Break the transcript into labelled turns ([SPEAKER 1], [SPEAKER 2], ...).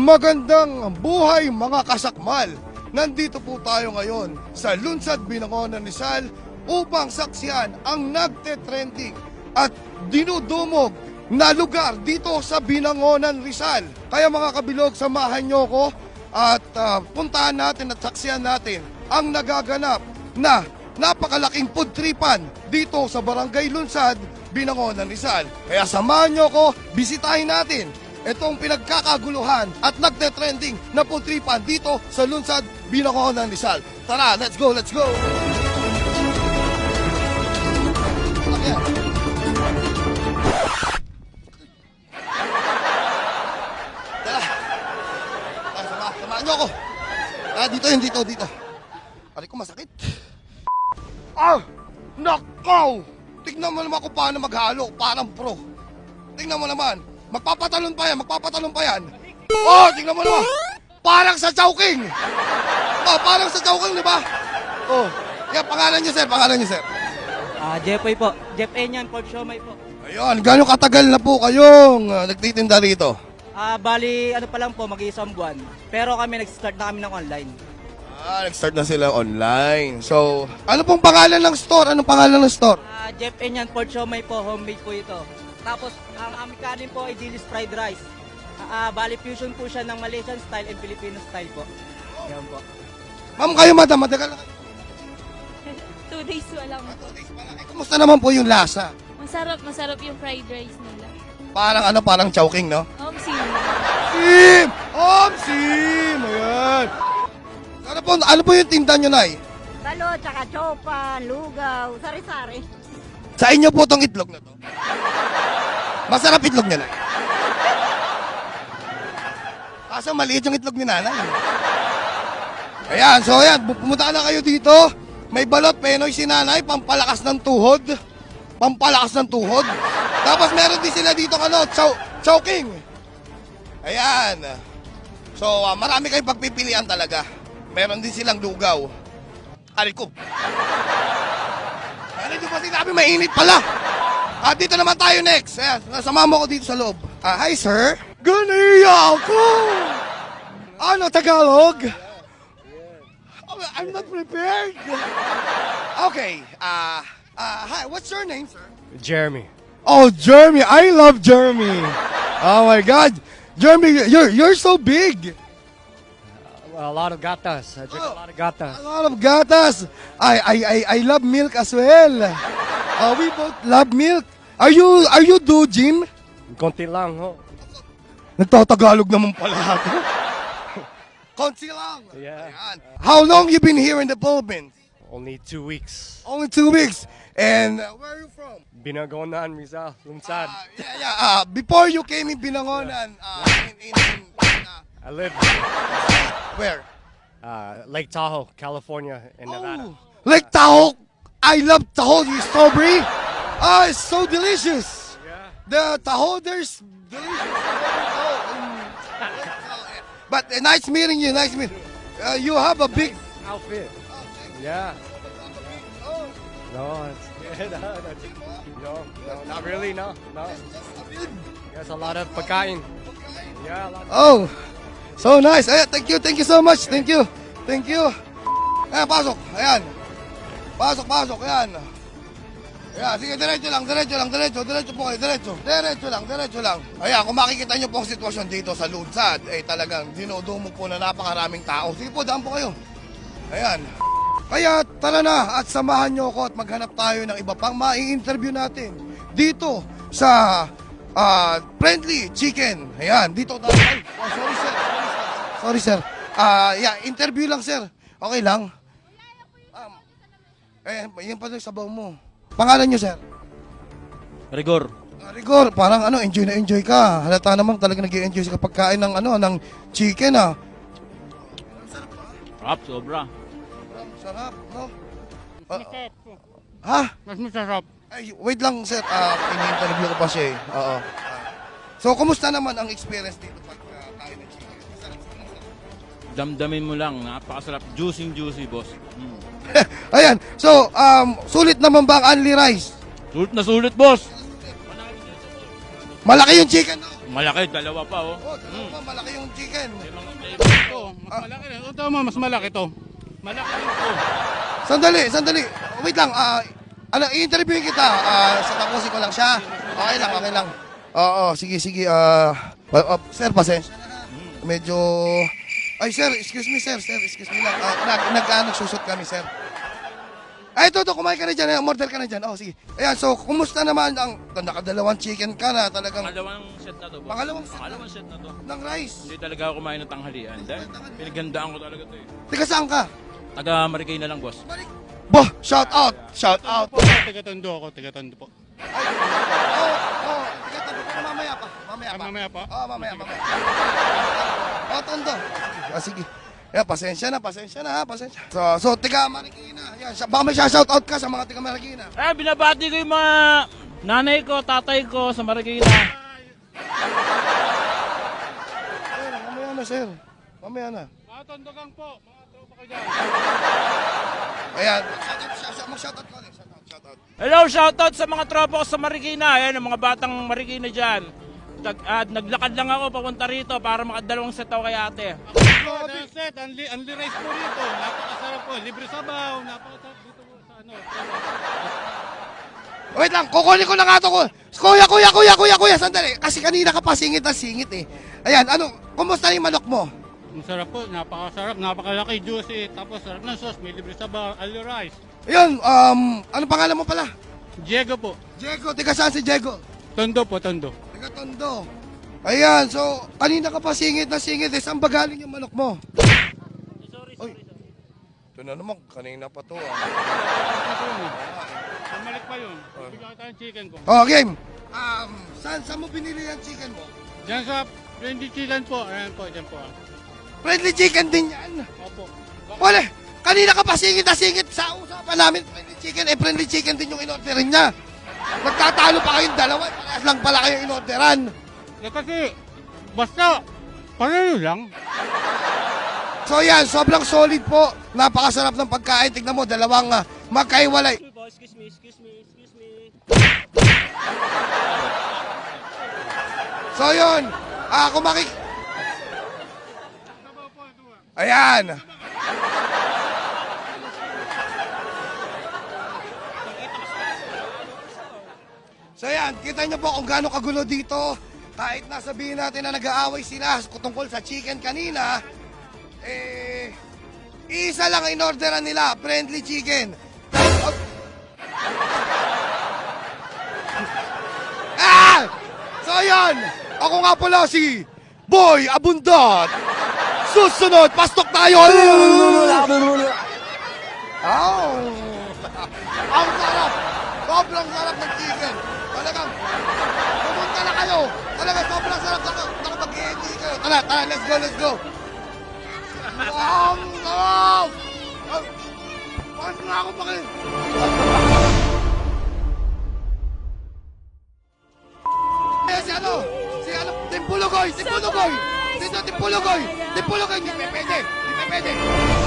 [SPEAKER 1] Magandang buhay mga kasakmal! Nandito po tayo ngayon sa Lunsad, Binangonan, Rizal upang saksiyan ang nagte-trending at dinudumog na lugar dito sa Binangonan, Rizal. Kaya mga kabilog, samahan nyo ko at puntahan natin at saksiyan natin ang nagaganap na napakalaking food tripan dito sa Barangay Lunsad, Binangonan, Rizal. Kaya samahan nyo ko, bisitahin natin itong pinagkakaguluhan at nagte-trending na food tripan dito sa Lunsad, Binangonan, Rizal. Tara, let's go, let's go! Ayan. Tara. Samahan nyo ako. Dito. Aray ko, masakit. Nakaw! Tignan mo naman kung paano maghalo, parang pro. Tignan mo naman. Magpapatalon pa yan. Oh, tingnan mo naman. Parang sa Chowking. Oh, parang sa Chowking, di ba? Oh, yan, pangalan niyo, sir.
[SPEAKER 2] Jeffoy po. Jeff Enyan, Pork Siomay po.
[SPEAKER 1] Ayun, gano'ng katagal na po kayong nagtitinda rito?
[SPEAKER 2] Bali, ano pa lang po, mag-iisang buwan. Pero kami, nag-start na kami ng online.
[SPEAKER 1] Nag-start na sila online. So, ano pong pangalan ng store?
[SPEAKER 2] Jeff Enyan, Pork Siomay po, homemade po ito. Tapos, ang aming kanin po ay dilis fried rice. Bali, fusion po siya ng Malaysian style and Filipino style po. Yan po.
[SPEAKER 1] Ma'am, kayo madam, matagal na kayo.
[SPEAKER 3] 2 days lang po.
[SPEAKER 1] Kumusta naman po yung lasa?
[SPEAKER 3] Masarap yung fried rice nila.
[SPEAKER 1] Parang Chowking, no?
[SPEAKER 3] Sim!
[SPEAKER 1] Sim! Ayan. Ano po yung tinda nyo, Nay?
[SPEAKER 4] Talo, tsaka chopa, lugaw, sari-sari.
[SPEAKER 1] Sa inyo po tong itlog na to. Masarap itlog niya, Nay. Kaso maliit yung itlog ni Nanay. Ayan, so ayan, pumunta na kayo dito. May balot, penoy si Nanay, pampalakas ng tuhod. Tapos meron din sila dito, Chowking. Ayan. So, marami kayong pagpipilian talaga. Meron din silang lugaw. Aray ko. Ano nyo pa sinabi, mainit pala. Dito naman tayo next. Ayan, nasama mo ko dito sa loob. Hi, sir. Ganiya ako. Ano, Tagalog? Oh, I'm not prepared. Okay. Hi, what's your name, sir?
[SPEAKER 5] Jeremy.
[SPEAKER 1] Oh, Jeremy. I love Jeremy. Oh, my God. Jeremy, you're so big.
[SPEAKER 5] A lot of gatas. I drink a lot of gatas.
[SPEAKER 1] A lot of gatas. I love milk as well. We both love milk. Are you do gym?
[SPEAKER 5] Konti lang, ho.
[SPEAKER 1] Nagtatagalog naman pala ako. Konti lang.
[SPEAKER 5] Yeah.
[SPEAKER 1] Ayan. How long you been here in the Philippines?
[SPEAKER 5] Only 2 weeks.
[SPEAKER 1] Only 2 weeks. And where are you from?
[SPEAKER 5] Binagonan, Rizal, Lunsad.
[SPEAKER 1] Before you came in Binangonan,
[SPEAKER 5] I live
[SPEAKER 1] where?
[SPEAKER 5] Lake Tahoe, California, in Nevada.
[SPEAKER 1] Lake Tahoe. I love Tahoe strawberry. It's so delicious.
[SPEAKER 5] Yeah.
[SPEAKER 1] The Tahoe, there's delicious. But nice meeting you. You have a big
[SPEAKER 5] Outfit. Yeah. No, it's good. No, not really. No. There's a lot of pagkain. Yeah, a lot of...
[SPEAKER 1] Oh, so nice. Ayan, thank you so much. Thank you. Ayan, pasok. Ayan. Pasok. Ayan. Ayan, sige, diretso po kayo, diretso lang. Ayan, kung makikita nyo po ang sitwasyon dito sa Lunsad, talagang dinudumog po na napakaraming tao. Sige po, daan po kayo. Ayan. Kaya tara na at samahan nyo ako at maghanap tayo ng iba pang mai-interview natin dito sa Friendly Chicken. Ayan, dito tayo. Sorry sir. Interview lang sir. Okay lang. Yan pa yung sabaw mo. Pangalan nyo sir?
[SPEAKER 6] Rigor.
[SPEAKER 1] Rigor, parang enjoy na enjoy ka. Halata naman talaga nag-i-enjoy sa pagkain ng ng chicken
[SPEAKER 6] Rap, sobra.
[SPEAKER 1] Sarap, no?
[SPEAKER 4] Masarap.
[SPEAKER 1] Ha?
[SPEAKER 5] Mas masarap.
[SPEAKER 1] Ay, wait lang sir, ini-interview ko pa siya eh. Oo. So, kumusta naman ang experience dito pag tayo ng chicken?
[SPEAKER 6] Damdamin mo lang, napakasarap. Juicy, boss.
[SPEAKER 1] Ayan, so, sulit naman ba ang Only Rice?
[SPEAKER 6] Sulit na sulit, boss.
[SPEAKER 1] Malaki yung chicken, no?
[SPEAKER 6] Malaki, dalawa pa, oh.
[SPEAKER 1] Oh, dalawa pa, malaki yung chicken.
[SPEAKER 6] Limang flavor.
[SPEAKER 7] Ito, mas malaki rin. Ito mo, mas malaki to. Malaki rin to.
[SPEAKER 1] Sandali. Wait lang, i-interviewin kita. Tapusin ko lang siya. Okay lang. Oo, sige. Sir, pasensya na. Medyo... Ay, sir, excuse me lang. Nagsusot kami, sir. Ay, ito, kumain ka na dyan. Order ka na dyan. Oh, sige. Ayan, so, kumusta naman ang... Nakadalawang chicken ka na talagang...
[SPEAKER 6] Pangalawang set na to, boss.
[SPEAKER 1] Pangalawang
[SPEAKER 6] set na to.
[SPEAKER 1] ng rice.
[SPEAKER 6] Hindi talaga ako kumain ng tanghalian. Dahil pinagandaan ko talaga to, eh.
[SPEAKER 1] Teka, saan ka?
[SPEAKER 6] Taga Marikay na lang, boss.
[SPEAKER 1] Bah, shout out.
[SPEAKER 7] Po, taga-tondo ako, taga-tondo po.
[SPEAKER 1] Teka, tabi ko mamaya pa.
[SPEAKER 7] Mamaya pa?
[SPEAKER 1] Mamaya. Tondo. Sige. Yeah, pasensya na ha. So, tiga Marikina. Yan, baka may shout out ka sa mga tiga Marikina.
[SPEAKER 6] Binabati ko yung mga nanay ko, tatay ko sa Marikina.
[SPEAKER 1] Sir, mamaya na.
[SPEAKER 7] Mga tondogang po, mga tropa ko dyan.
[SPEAKER 1] Ayan, mag-shout out ko ulit. Shout out.
[SPEAKER 6] Hello, shoutout sa mga tropa ko sa Marikina. Ayan, ang mga batang Marikina dyan. Naglakad lang ako papunta rito para makadalawang set ako kay ate.
[SPEAKER 7] That's it, unli rice po rito. Napakasarap po, libre sabaw, napakasarap dito po sa ano.
[SPEAKER 1] Wait lang, kukunin ko na nga ito. Kuya, sandali. Kasi kanina ka pa singit eh. Ayan, kumusta yung manok mo?
[SPEAKER 7] Ang sarap po, napakasarap, napakalaki, juicy, tapos sarap ng sauce, may libre sabaw, unli rice.
[SPEAKER 1] Ayun, ano pangalan mo pala?
[SPEAKER 7] Diego po,
[SPEAKER 1] Diego, tiga saan si Diego?
[SPEAKER 7] tondo po, tondo.
[SPEAKER 1] Tiga Tondo. Ayan, so, kanina ka pa singit eh. Saan ba galing yung manok mo? Sorry. Ito na naman, kanina pa to
[SPEAKER 7] Bumalik pa yun, bigyan kita ng chicken ko.
[SPEAKER 1] Oh, game. Saan mo binili yung chicken mo?
[SPEAKER 7] Diyan sa friendly chicken po, ayan po, dyan po.
[SPEAKER 1] Friendly chicken din yan.
[SPEAKER 7] Opo.
[SPEAKER 1] Wala, kanina ka pa singit sa usapan namin. Friendly chicken din yung inorderin niya. Nagtatalo pa kayong dalawa, parehas lang pala kayong inorderan.
[SPEAKER 7] Kasi, basta, pareho lang.
[SPEAKER 1] So yan, sobrang solid po. Napakasarap ng pagkain. Tignan mo, dalawang magkaiwalay.
[SPEAKER 2] Excuse me.
[SPEAKER 1] So yun, Ayan. So yan, kita niyo po kung gaano kagulo dito. Kahit nasabihin natin na nag-aaway sila tungkol sa chicken kanina, isa lang ang inorderan nila, friendly chicken. So yun, ako nga pala si Boy Abundant. Susunod, pastok tayo! Ang sarap! Sobrang sarap ng chicken. Talagang, pumunta na kayo. Talagang sobrang sarap. Nakapag-i-enjoy kayo. Tara, let's go. Ang sarap! Bakit nga ako bakit? Si Timpulugoy! Dito, Timpulugoy! Hindi pwede!